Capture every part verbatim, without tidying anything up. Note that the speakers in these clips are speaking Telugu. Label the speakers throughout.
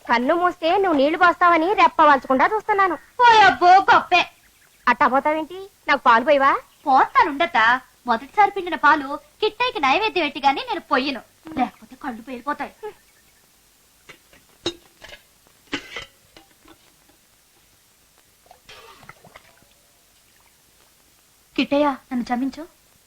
Speaker 1: కన్ను మూస్తే నువ్వు నీళ్లు పోస్తావని రెప్పవాల్చకుండా చూస్తున్నాను.
Speaker 2: పోయబ్బో గొప్పే.
Speaker 1: అట్టా పోతావేంటి? నాకు పాలు పోయివా?
Speaker 2: పోస్తానుండత. మొదటిసారి పిండిన పాలు కిట్టైకి నైవేద్యం పెట్టి గాని నేను పొయ్యను, లేకపోతే కళ్ళు పేలిపోతాయి. కిట్టయ్య నన్ను క్షమించు.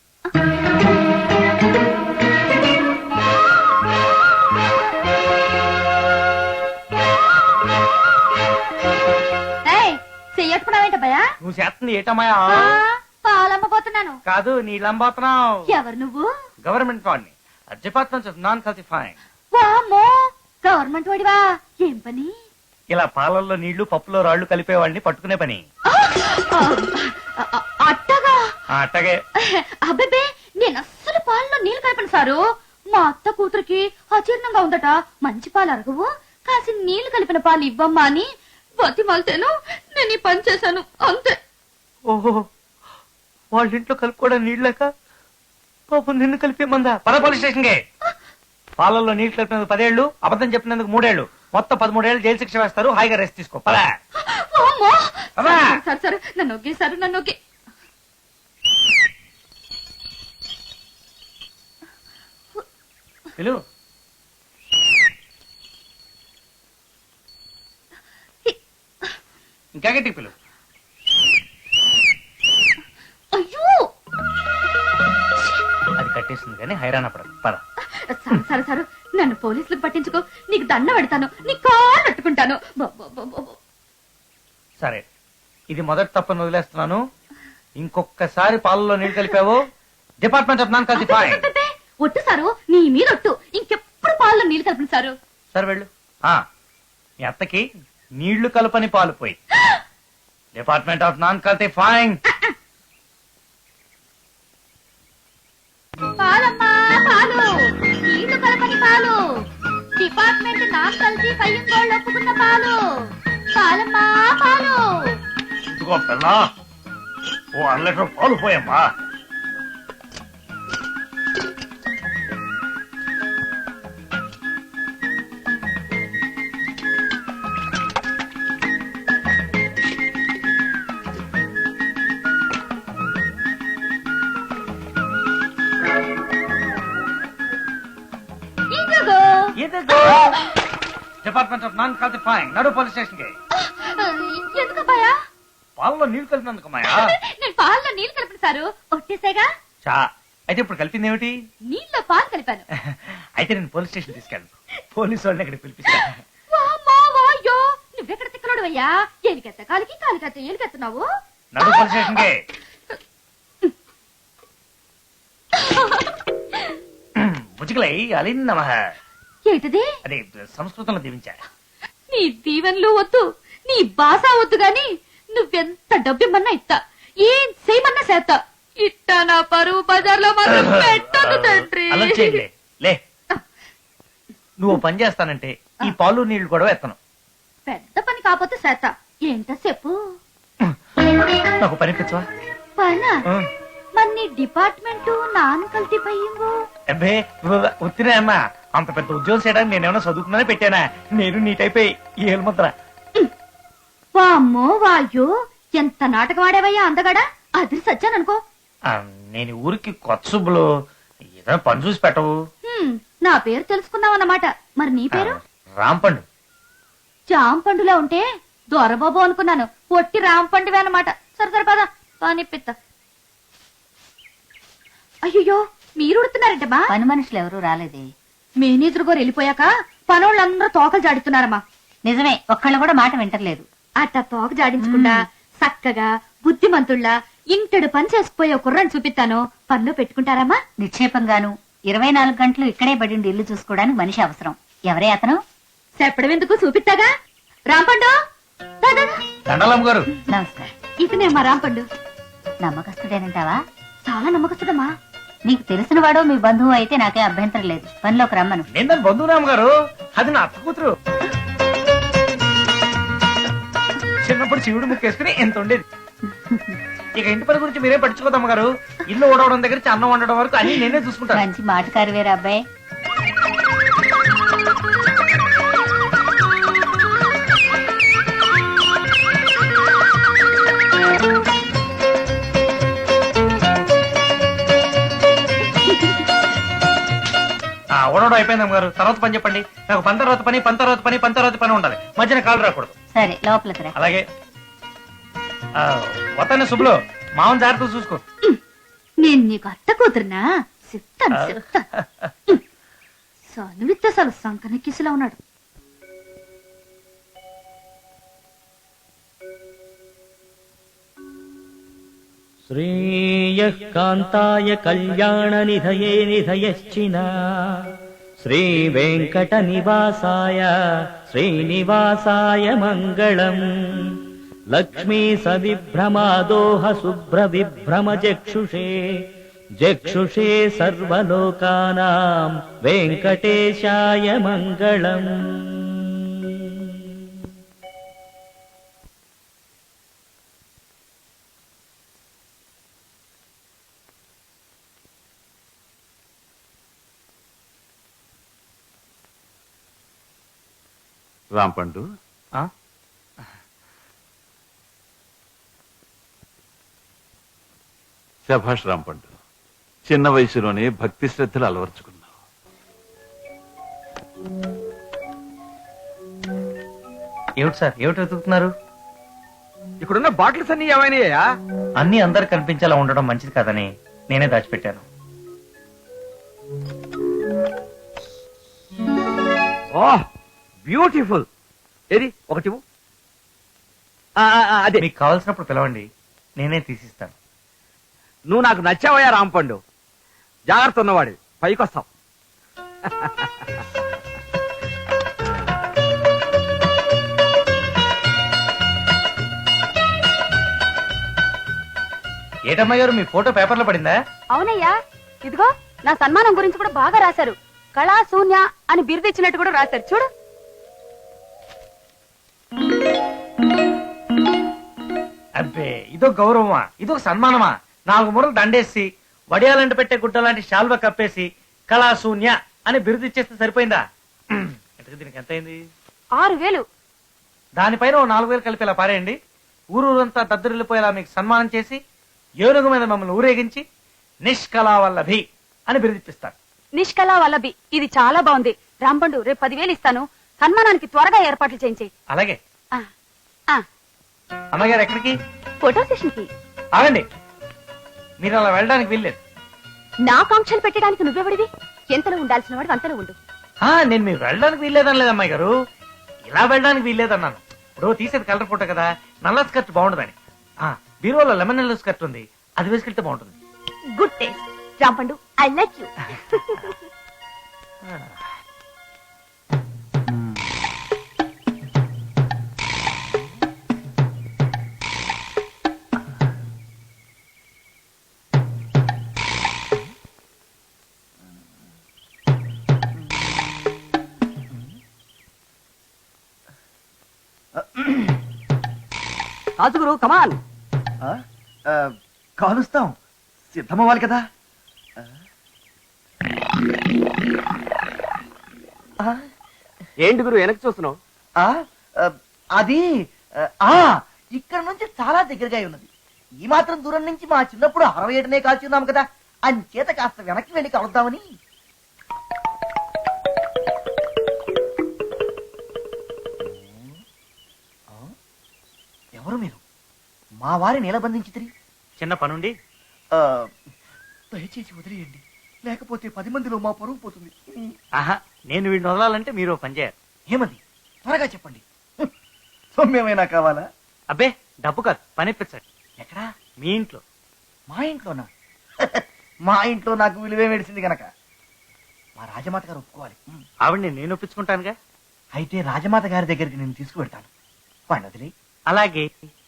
Speaker 2: చెయ్యట్టుకున్నావేంట భయా?
Speaker 3: నువ్వు చేస్తుంది ఏటమాయా?
Speaker 2: పాలమ్మబోతున్నాను.
Speaker 3: కాదు, నీళ్ళంబోతున్నావు.
Speaker 2: ఎవరు నువ్వు?
Speaker 3: గవర్నమెంట్ వాడిని. Department of non calcifying.
Speaker 2: వామ్మో, గవర్నమెంట్ వాడివా? ఏం పని?
Speaker 3: ఇలా పాలల్లో నీళ్లు పప్పులో రాళ్లు కలిపేవాడిని పట్టుకునే పని.
Speaker 2: అట్టగా?
Speaker 3: అట్టగే.
Speaker 2: అబ్బే, నేను అస్సలు పాలలో నీళ్లు కలిపను సారు. మా అత్త కూతురికి అజీర్ణంగా ఉందట. మంచి పాలు అరగవు, కాసి నీళ్లు కలిపిన పాలు ఇవ్వమ్మా అని బతిమాలితేను నేను ఈ పని చేశాను అంతే.
Speaker 3: ఓహో, వాళ్ళ ఇంట్లో కలుపుకోవడం నీళ్ళక పాపం నిన్ను కలిపేమందా? పద పోలీస్ స్టేషన్ కి. పాలల్లో నీళ్లు కలిపినందుకు పదేళ్లు, అబద్ధం చెప్పినందుకు మూడేళ్లు, మొత్తం పదమూడేళ్లు జైలు శిక్ష వేస్తారు. హాయిగా రెస్ట్ తీసుకో. పద.
Speaker 2: సరే సరే, నన్ను ఒకే సరే నన్ను ఒకే.
Speaker 3: పిలు. ఇంకా గట్టి పిలు.
Speaker 2: అయ్యో,
Speaker 3: అది కట్టేస్తుంది కానీ హైరాణ పడదు. పద.
Speaker 2: సరే సరే సరే, నన్ను పోలీసులకు పట్టించుకో. నీకు దండ పెడతాను, నీ కాళ్ళు పట్టుకుంటాను.
Speaker 3: సరే, ఇది మొదటి తప్పని వదిలేస్తున్నాను. ఇంకొకసారి పాలలో నీళ్లు కలిపావు, డిపార్ట్మెంట్ ఆఫ్ నాన్ కల్సిఫైయింగ్.
Speaker 2: ఒట్టు సారు, నీ మీద ఒట్టు. ఇంకెప్పుడు పాలలో నీళ్లు కలిపిన సారు.
Speaker 3: సరే వెళ్ళు. మీ అత్తకి నీళ్లు కలపని పాలు పోయి. Department of non calcifying.
Speaker 2: పాలమ్మా పాలు, నీళ్లు కలపని పాలు, డిపార్ట్మెంట్ నాన్ కల్సిఫైయింగ్ వాళ్ళు ఒప్పుకున్న పాలు. పాలమ్మా పాలు.
Speaker 3: ఇదిగో పిల్ల, ఓ అర లీటర్ పాలు పోయమ్మా. Department of non calcifying. నడు పోలీస్ స్టేషన్ కి.
Speaker 2: ఎందుకబ్బాయా?
Speaker 3: పాలలో నీళ్లు కలిపినందుకు మాయా.
Speaker 2: నేను పాలలో నీళ్లు కలిపిన సారు. ఒట్టేసేగా.
Speaker 3: చా, అయితే ఇప్పుడు కలిపింది ఏమిటి?
Speaker 2: నీళ్ళలో పాలు కలిపాను.
Speaker 3: అయితే నేను పోలీస్ స్టేషన్ తీసుకెళ్ళను. పోలీసు వాళ్ళని ఇక్కడ పిలిపిస్తాను.
Speaker 2: నువ్వెక్కడ తిక్కలోడు అయ్యా? ఎలికెత్త కాలికి కాలికెత్త ఎలికెత్తున్నావు.
Speaker 3: నడు పోలీస్ స్టేషన్ కి. ముజికలై అలిన్నమ.
Speaker 2: ఏంటిది?
Speaker 3: అదే సంస్కృతంలో దీవించా.
Speaker 2: నీ దీవెనలు వద్దు, నీ భాష వద్దు గాని నువ్వెంత డబ్బిమ్మన్నా ఇస్తా, ఏం చేయమన్నా చేస్తా. ఇట్టా నా పరువు బజార్లో మాత్రం పెట్టదు తండ్రి.
Speaker 3: అలా చేయలే. లే, నువ్వు పని చేస్తానంటే ఈ పాలు నీళ్లు కూడా ఎత్తను.
Speaker 2: పెద్ద పని కాకపోతే చేస్తా. ఏంటో చెప్పు.
Speaker 3: నాకు పని పిచ్చవా?
Speaker 2: పనా? మరి నీ డిపార్ట్మెంట్ నాన్ కల్సిఫైయింగ్.
Speaker 3: అబ్బే ఉత్తినే అమ్మా, అంత పెద్ద ఉద్యోగం చేయడానికి నేనేమన్నా చదువుకున్నానే పెట్టానా? నేను నీ టైప్ ఏలు ముద్ర.
Speaker 2: వామ్మో వాయో, ఎంత నాటకం ఆడేవయ్యా అందగాడా. అది సచ్చాననుకో.
Speaker 3: నేను ఊరికి కొత్త సుబ్బులు, ఏదైనా పని చూసి పెట్టవు.
Speaker 2: నా పేరు తెలుసుకున్నావన్నమాట. మరి నీ పేరు?
Speaker 3: రాంపండు.
Speaker 2: జాంపండులా ఉంటే దొరబాబు అనుకున్నాను. పొట్టి రాంపండువే అన్నమాట. సరే సరే పద పనిపిత్త. అయ్యో, మీరు ఉడుతున్నారంటమ్మా?
Speaker 4: పని మనుషులు ఎవరు రాలేదే.
Speaker 2: మేనేజర్ గారు వెళ్ళిపోయాక పనోళ్ళందరూ తోకలు జాడిస్తున్నారమ్మా.
Speaker 4: నిజమే, ఒక్కళ్ళు కూడా మాట వింటలేదు.
Speaker 2: అట్ట తోక జాడించకుండా చక్కగా బుద్ధిమంతుళ్ళ ఇంటడు పని చేసుకుపోయే కుర్రని చూపిస్తాను. పనిలో పెట్టుకుంటారమ్మా?
Speaker 4: నిక్షేపంగాను ఇరవై నాలుగు గంటలు ఇక్కడే పడిండి ఇల్లు చూసుకోవడానికి మనిషి అవసరం. ఎవరే అతను?
Speaker 2: చెప్పడం ఎందుకు, చూపిస్తాగా. రాంపండు
Speaker 3: దండలమ్మ గారు.
Speaker 4: నమస్కారం.
Speaker 2: ఇతనే అమ్మా రాంపండు.
Speaker 4: నమ్మకస్తుడేనంటావా?
Speaker 2: చాలా నమ్మకస్తుడమ్మా.
Speaker 4: నీకు తెలిసిన వాడో మీ బంధువు అయితే నాకే అభ్యంతరం లేదు. పనిలోకి రమ్మను.
Speaker 3: నేను బంధురామ్ గారు, అది నా అత్త కూతురు. చిన్నప్పుడు శివుడు ముక్కేసుకుని ఎంత ఉండేది. ఇక ఇంటి పని గురించి మీరే పట్టించుకోదమ్మ గారు. ఇల్లు ఓడవడం దగ్గర నుంచి అన్నం వండడం వరకు అన్ని నేనే చూసుకుంటాను.
Speaker 4: మంచి మాటకారు వేరే అబ్బాయి.
Speaker 3: పిలవడం అయిపోయింది అమ్మగారు. తర్వాత పని చెప్పండి. నాకు పని తర్వాత పని పని తర్వాత పని పని తర్వాత పని ఉండాలి. మధ్యన కాలు రాకూడదు.
Speaker 4: సరే లోపలికి రా.
Speaker 3: అలాగే వతానే శుభ్లో మామూలు జాగ్రత్త చూసుకో.
Speaker 2: నేను నీకు అత్త కూతురునా? చెప్తాను చెప్తాను. సనువిత్త అసలు సంకనెక్కిసిలా ఉన్నాడు.
Speaker 5: శ్రేయః కాంతాయ కళ్యాణ నిధయే నిధయశ్చిన శ్రీ వెంకట నివాసాయ శ్రీనివాసాయ మంగళం. లక్ష్మీ సవిభ్రమాదోహ శుభ్ర విభ్రమ జక్షుషే జక్షుషే సర్వలోకానాం వెంకటేశాయ మంగళం.
Speaker 6: రాంపండు,
Speaker 3: ఆ?
Speaker 6: శభాష్ రాంపండు, చిన్న వయసులోనే భక్తి శ్రద్ధలు అలవర్చుకున్నావు.
Speaker 3: ఏమిటి సార్, ఏమిటి వెతుకుతున్నారు?
Speaker 7: ఇక్కడున్న బాటిల్స్ అన్ని ఏమైనాయా?
Speaker 3: అన్ని అందరు కనిపించేలా ఉండడం మంచిది కాదని నేనే దాచిపెట్టాను.
Speaker 7: ఓహ్ బ్యూటిఫుల్. ఏది ఒకటి అదే.
Speaker 3: మీకు కావాల్సినప్పుడు పిలవండి, నేనే తీసిస్తాను.
Speaker 7: నువ్వు నాకు నచ్చావయ్యా రాంపండు. జాగ్రత్త ఉన్నవాడి, పైకొస్తావు.
Speaker 3: ఏటమ్మా గారు, మీ ఫోటో పేపర్లో పడిందా?
Speaker 1: అవునయ్యా, ఇదిగో నా సన్మానం గురించి కూడా బాగా రాశారు. కళా శూన్య అని బిరుదు ఇచ్చినట్టు కూడా రాశారు చూడు.
Speaker 3: అబ్బే, ఇదో గౌరవమా, ఇదో సన్మానమా? నాలుగు మూరలు దండేసి వడియాలంట పెట్టే గుడ్డ లాంటి శాల్వ కప్పేసి కళాశూన్య అని బిరుదు ఇచ్చేస్తే సరిపోయిందా? ఇంతకు దీనికి ఎంత అయింది?
Speaker 1: ఆరు వేలు.
Speaker 3: దానిపైన ఓ నాలుగు వేలు కలిపి ఇలా పారేయండి. ఊరూరంతా దద్దరిల్లిపోయేలా మీకు సన్మానం చేసి ఏనుగు మీద మమ్మల్ని ఊరేగించి నిష్కళావల్లభి అని బిరుదిప్పిస్తాను.
Speaker 1: నిష్కళా వల్లభి, ఇది చాలా బాగుంది. రాంపండు, రేపు పదివేలు ఇస్తాను. సన్మానానికి త్వరగా ఏర్పాట్లు చేయించి.
Speaker 3: అలాగే.
Speaker 1: ఆ, ఆ,
Speaker 3: అమ్మగారు ఎక్కడికి?
Speaker 1: ఫోటో సెషన్ కి.
Speaker 3: ఆగండి, మీరు అలా వెళ్ళడానికి వీల్లేదు.
Speaker 1: నా కాంక్షలు పెట్టడానికి నువ్వెవడివి? ఎంతలో ఉండాల్సిన వాడు అంతలో ఉండు.
Speaker 3: ఆ, నేను మీరు వెళ్ళడానికి వీల్లేదని లేదు అమ్మాయి గారు, ఇలా వెళ్ళడానికి వీల్లేదన్నాను. ఇప్పుడు తీసేది కలర్ ఫోటో కదా, నల్ల స్కర్ట్ బాగుండదని. ఆ బీరువాలో లెమన్ ఎల్లో స్కర్ట్ ఉంది, అది వేసుకెళ్తే బాగుంటుంది.
Speaker 1: Good taste Rampandu, I like you.
Speaker 7: రాజుగురు కమాన్.
Speaker 8: కాలుస్తాం, సిద్ధమవ్వాలి కదా.
Speaker 7: ఏంటి గురు వెనక్కి చూస్తున్నావు?
Speaker 8: ఆ, ఆ, అది ఆ ఇక్కడ నుంచి చాలా దగ్గరగా ఉన్నది. ఈ మాత్రం దూరం నుంచి మా చిన్నప్పుడు అరవై ఏడునే కాల్చున్నాం కదా, అంచేత కాస్త వెనక్కి వెళ్ళి కలుద్దామని. ఎవరు మీరు? మా వారిని నిలబంధించి తిరిగి
Speaker 3: చిన్న పనుండి
Speaker 8: దయచేసి వదిలేయండి, లేకపోతే పది మందిలో మా పరువు పోతుంది.
Speaker 3: ఆహా, నేను వీడిని వదలాలంటే మీరు ఓ పని చేయాలి.
Speaker 8: ఏమది? త్వరగా చెప్పండి. సొమ్మేమైనా కావాలా?
Speaker 3: అబ్బే, డబ్బు కాదు, పని ఇప్పించండి.
Speaker 8: ఎక్కడా?
Speaker 3: మీ ఇంట్లో.
Speaker 8: మా ఇంట్లోనా? మా ఇంట్లో నాకు విలువే మెడిసింది గనక మా రాజమాత గారు ఒప్పుకోవాలి.
Speaker 3: ఆవిడ్ని నేను ఒప్పించుకుంటానుగా.
Speaker 8: అయితే రాజమాత గారి దగ్గరికి నేను తీసుకువెడతాను. వాడిని వదిలే.
Speaker 3: అలాగే.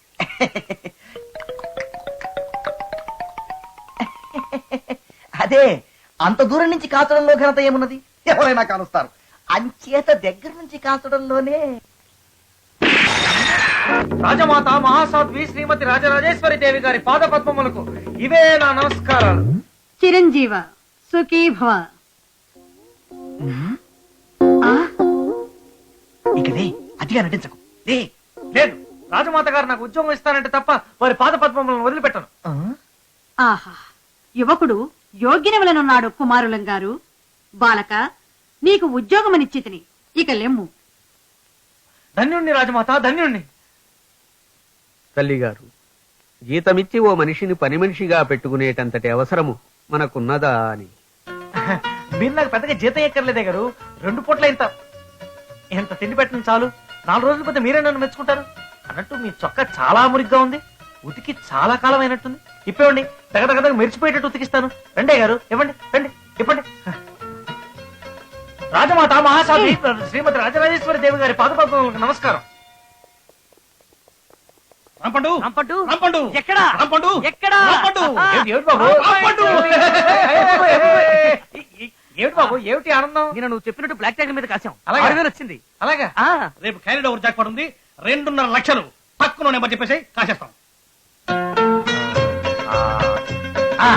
Speaker 8: అదే, అంత దూరం నుంచి కాచడంలో ఘనత ఏమున్నది? ఎవరైనా కాలుస్తారు. అంచేత దగ్గర నుంచి కాచడంలోనే.
Speaker 3: రాజమాత మహాసాధ్వి శ్రీమతి రాజరాజేశ్వరి దేవి గారి పాద పద్మములకు ఇవే నా నమస్కారాలు.
Speaker 9: చిరంజీవ సుఖీ భవ.
Speaker 8: ఇక లే, అతిగా నటించకు. లే.
Speaker 3: లేదు, రాజమాత గారు నాకు ఉద్యోగం ఇస్తానంటే తప్ప వారి పాద పద్మములను వదిలిపెట్టను.
Speaker 9: ఆహా, యువకుడు యోగ్యనవలనున్నాడు కుమారులం గారు. బాలక, నీకు ఉద్యోగమనిచ్చితిని ఇక లెమ్ము.
Speaker 3: ధన్యుణ్ణి రాజమాత, ధన్యుణ్ణి.
Speaker 7: తల్లిగారు, జీతమిచ్చి ఓ మనిషిని పని మనిషిగా పెట్టుకునేటంతటి అవసరము మనకున్నదా అని.
Speaker 3: మీరు నాకు పెద్దగా జీతం ఎక్కర్లేదే గారు. రెండు పూట్ల ఇంత ఎంత తిండి పెట్టిన చాలు. నాలుగు రోజుల పోతే మీరే నన్ను మెచ్చుకుంటారు. అన్నట్టు మీ చొక్కా చాలా మురిగ్గా ఉంది. ఉతికి చాలా కాలం అయినట్టుంది. ఇప్పేవండి, తగదగదగ మెరిచిపోయేటట్టు ఉతికిస్తాను. రండే గారు, ఇవ్వండి, రండి, ఇప్పండి. రాజమాత మహాసాధి శ్రీమతి రాజరాజేశ్వరి దేవి గారి పాదపద్మములకు నమస్కారం.
Speaker 10: రాంపండు
Speaker 3: రాంపండు?
Speaker 10: రాంపండు
Speaker 3: ఎక్కడా?
Speaker 10: రాంపండు
Speaker 3: ఎక్కడా?
Speaker 10: రాంపండు
Speaker 3: ఏమిటి, ఏమిటి బాబు?
Speaker 10: రాంపండు!
Speaker 3: ఏమిటి బాబు, ఏమిటి ఆనందం?
Speaker 7: నేను నువ్వు చెప్పినట్టు బ్లాక్ ట్యాగ్ మీద కాసాం.
Speaker 3: అలాగే.
Speaker 7: ఆరు వేలు వచ్చింది.
Speaker 3: అలాగా?
Speaker 10: రేపు క్యారీడ్ ఓవర్ జాక్ పడుంది. రెండున్నర లక్షలు తక్కువ నెంబర్ చెప్పేసి కాసేస్తాం.
Speaker 3: ఆ,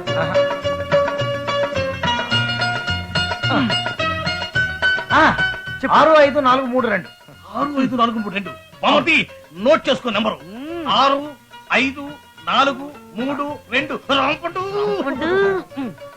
Speaker 3: ఆ, ఆరు ఐదు నాలుగు మూడు రెండు.
Speaker 10: ఆరు ఐదు నాలుగు మూడు రెండు. బామతి నోట్ చేసుకో నెంబరు. ఆరు ఐదు నాలుగు మూడు రెండు. రాంపండు